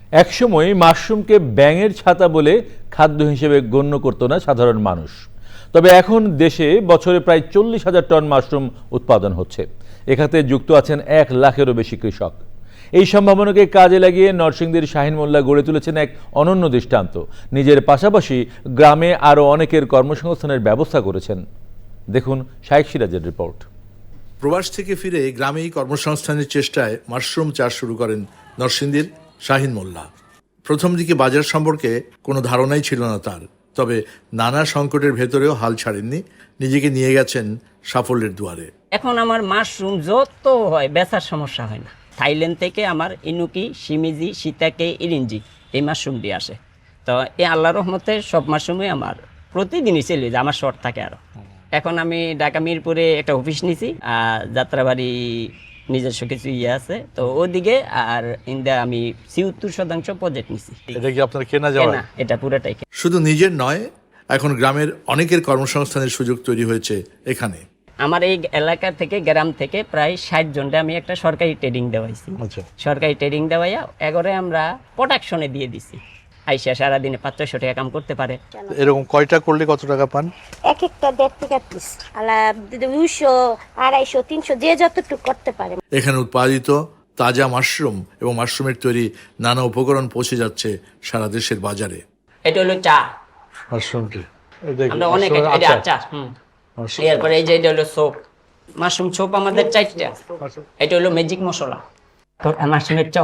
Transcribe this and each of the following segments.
একসময় মাশরুমকে ব্যাঙের ছাতা বলে খাদ্য হিসেবে গণ্য করত না সাধারণ মানুষ। তবে এখন দেশে বছরে প্রায় 40,000 টন মাশরুম উৎপাদন হচ্ছে। এ খাতে যুক্ত আছেন 1 লাখেরও বেশি কৃষক। এই সম্ভাবনাকে কাজে লাগিয়ে নরসিংদীর শাহিন মোল্লা গড়ে তুলেছেন এক অনন্য দৃষ্টান্ত। নিজের পাশাপাশি গ্রামে আরও অনেকের কর্মসংস্থানের ব্যবস্থা করেছেন। দেখুন শাইখ সিরাজের রিপোর্ট। প্রবাস থেকে ফিরে গ্রামেই কর্মসংস্থানের চেষ্টায় মাশরুম চাষ শুরু করেন নরসিংদীর শাহিন মোল্লা। প্রথম দিকে বাজার সম্পর্কে কোনো ধারণাই ছিল না তার, তবে নানা সংকটের ভেতরেও হাল ছাড়েননি, নিজেকে নিয়ে গেছেন সাফল্যের দুয়ারে। এখন আমার মাশরুম যত হয় বেচার সমস্যা হয় না। থাইল্যান্ড থেকে আমার ইনুকি, শিমিজি, সীতাকে, ইরিঞ্জি এই মাশরুমটি আসে। তো এই আল্লাহর রহমতে সব মাশরুমই আমার প্রতিদিনই চলে যায়, আমার শর্ট থাকে আরও। এখন আমি ঢাকা মিরপুরে একটা অফিস নিছি, যাত্রাবাড়ি নিজস্ব কিছু আছে, তো ওদিকে আর ইন্দা আমি ৭৪% প্রজেক্ট নিছি। এটা কি আপনার কেনা যাওয়া? না, এটা পুরোটাই। শুধু নিজের নয়, এখন গ্রামের অনেকের কর্মসংস্থানের সুযোগ তৈরি হয়েছে এখানে। আমার এই এলাকা থেকে, গ্রাম থেকে প্রায় 60 জনকে আমি একটা সরকারি ট্রেনিং দেওয়াইছি। সরকারি ট্রেনিং দেওয়াইয়া এগরে আমরা প্রোডাকশনে দিয়ে দিছি। আইসা সারাদিনে 500 টাকা কাম করতে পারে। এরকম কয়টা করলে কত টাকা পান? এক একটা 1.5 টাকা পিস, 200, 250, 300, যে যতটুকু করতে পারে। এখানে উৎপাদিত তাজা মাশরুম এবং মাশরুমের তৈরি নানা উপকরণ পৌঁছে যাচ্ছে সারা দেশের বাজারে। এটা হলো চা মাশরুমটি আমরা অনেক আচার। এরপরে এই যে এটা হলো সোপ, মাশরুম সোপ আমাদের 4টা। এটা হলো ম্যাজিক মশলা, মাশরুমের চপ।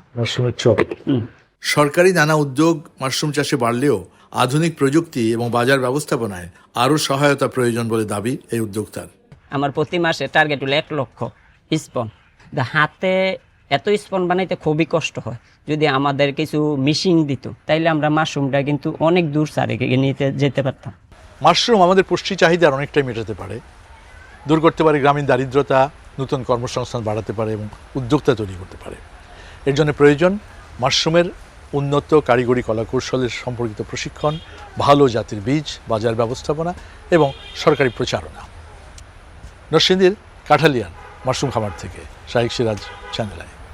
সরকারি নানা উদ্যোগ মাশরুম চাষে বাড়লেও আধুনিক প্রযুক্তি এবং বাজার ব্যবস্থাপনায় আরও সহায়তা প্রয়োজন বলে দাবি এই উদ্যোক্তার। আমার প্রতি মাসে টার্গেট হলো 1 লক্ষ স্পন। হাতে এত স্পন বানাইতে খুবই কষ্ট হয়। যদি আমাদের কিছু মেশিন দিত তাইলে আমরা মাশরুমটা কিন্তু অনেক দূর সারে নিতে যেতে পারতাম। মাশরুম আমাদের পুষ্টি চাহিদার অনেকটাই মেটাতে পারে, দূর করতে পারে গ্রামীণ দারিদ্রতা, নতুন কর্মসংস্থান বাড়াতে পারে এবং উদ্যোক্তা তৈরি করতে পারে। এর জন্য প্রয়োজন মাশরুমের উন্নত কারিগরি কলাকৌশলের সম্পর্কিত প্রশিক্ষণ, ভালো জাতের বীজ, বাজার ব্যবস্থাপনা এবং সরকারি প্রচারণা। নরসিংদীর কাঠালিয়ান মাশরুম খামার থেকে শাইখ সিরাজ, চ্যানেল আই।